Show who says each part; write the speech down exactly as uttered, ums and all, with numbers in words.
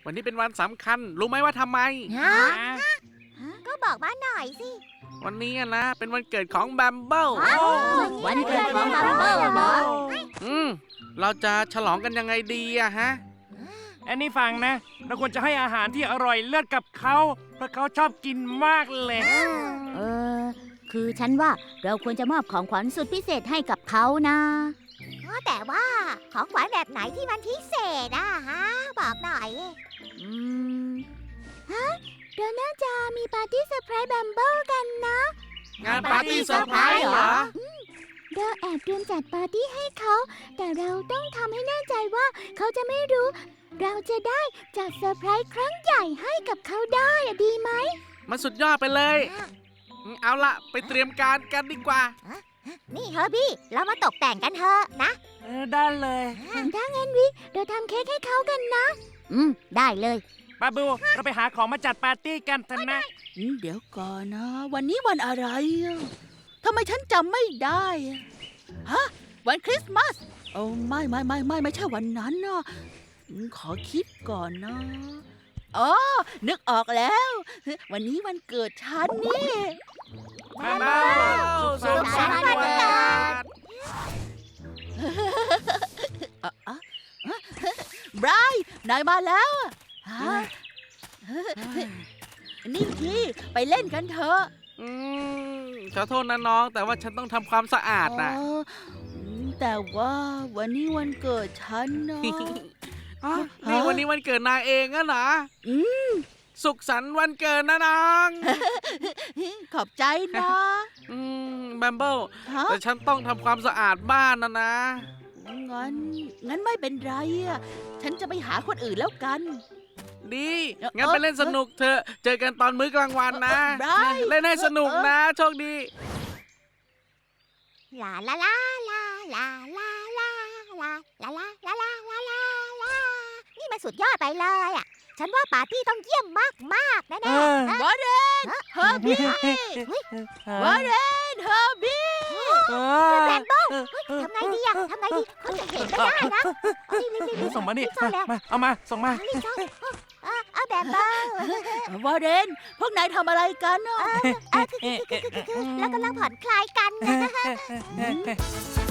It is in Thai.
Speaker 1: วันนี้เป็นวันสำคัญรู้ไหมว่าทำไม
Speaker 2: ฮะก็บอกมาหน่อยสิ
Speaker 1: วันนี้อะนะเป็นวันเกิดของแบมเบิล
Speaker 2: วันเกิดของบัมเบิลเหรอ
Speaker 1: อืมเราจะฉลองกันยังไงดีอะฮะ
Speaker 3: แอนนี่ฟังนะ เราควรจะให้อาหารที่อร่อยเลิศกับเขาเพราะเขาชอบกินมากเลย
Speaker 4: เออ คือฉันว่าเราควรจะมอบของขวัญสุดพิเศษให้กับเขานะ
Speaker 2: แต่ว่าของขวัญแบบไหนที่มันพิเศษอะฮะ บอกหน่อย
Speaker 4: อืม ฮะ เราน่าจะมีปาร์ตี้เซอร์ไพรส์แบมเบิลกันนะ
Speaker 1: งานปาร์ตี้เซอร์ไพรส์เหรอ
Speaker 4: เราแอบเตรียมจัดปาร์ตี้ให้เขา แต่เราต้องทำให้แน่ใจว่าเขาจะไม่รู้ เราจะได้จัดเซอร์ไพรส์ครั้งใหญ่ให้กับเขาได้อะดีไหม
Speaker 1: มันสุดยอดไปเลย เอาละไปเตรียมการกันดีกว่า
Speaker 2: นี่เฮอร์บี้ เรามาตกแต่งกันเถอะนะ
Speaker 3: เออได้เลย
Speaker 4: ถ้างั้นวิเราทำเค้กให้เขากันนะ อืม ได้เลย
Speaker 3: บาบู เราไปหาของมาจัดปาร์ตี้กันเถอะนะ
Speaker 5: อืมเดี๋ยวก่อนนะ วันนี้วันอะไรอะทำไมฉันจำไม่ได้อะฮะ วันคริสต์มาสโอ้ไม่ไม่ไม่ไม่ไม่ใช่วันนั้นนะอืมขอคิดก่อนนะอ๋อนึกออกแล้ว วันนี้วันเกิดฉันนี่
Speaker 1: แบมเบิลสุขสันต์วันเกิด
Speaker 5: อ่ะอ่ะอ่ะไบรท์นายมาแล้วอะฮะนี่พี่ไปเล่นกันเถอะ
Speaker 1: อืมขอโทษนะน้อง แต่ว่าฉันต้องทำความสะอาดนะ
Speaker 5: อ๋ออืมแต่ว่าวันนี้วันเกิดฉันนะ
Speaker 1: อ๋อนี่วันนี้วันเกิดนายเองอะนะ
Speaker 5: อืม
Speaker 1: สุขสันต์วันเกิดนะน้อง
Speaker 5: ขอบใจนะ
Speaker 1: อืมแบมเบิล
Speaker 5: ฮะ
Speaker 1: แต่ฉันต้องทำความสะอาดบ้านนะนะ
Speaker 5: งั้น งั้นไม่เป็นไรอ่ะ ฉันจะไปหาคนอื่นแล้วกัน
Speaker 1: ดี
Speaker 5: เอ่อ
Speaker 1: งั้นไปเล่นสนุกเถอะ เจอกันตอนมื้อกลางวันนะ
Speaker 5: เอ่อ Bright
Speaker 1: เล่นให้สนุกนะ โชคดี
Speaker 2: ลาลาลาลาลาลาลาลาลาลาลาลาลาลาลานี่มันสุดยอดไปเลยอ่ะ ฉันว่าปาร์ตี้ต้องเยี่ยมมากมากๆแน่
Speaker 3: เออ
Speaker 2: ๆ
Speaker 5: วอร์เรนเฮอร์บี้วอร์เรนเฮอร์บี้
Speaker 3: เอ
Speaker 2: แบ
Speaker 3: อ
Speaker 2: มเบิลทำไงดีอะทำไงดีเขาจะเห็นไม่ได้นะเอารีบรีบรีบ
Speaker 3: ส่งมานี่
Speaker 2: รีบซ่อนแล้ว
Speaker 3: มาเอามา ส่งมา
Speaker 2: รีบซ่อนเออเอาแบมเบิล
Speaker 5: วอร์เรนพวกนายทำอะไรกันอ่ะ
Speaker 2: เออคือคือคือคือคือเรากำลังผ่อนคลายกันนะ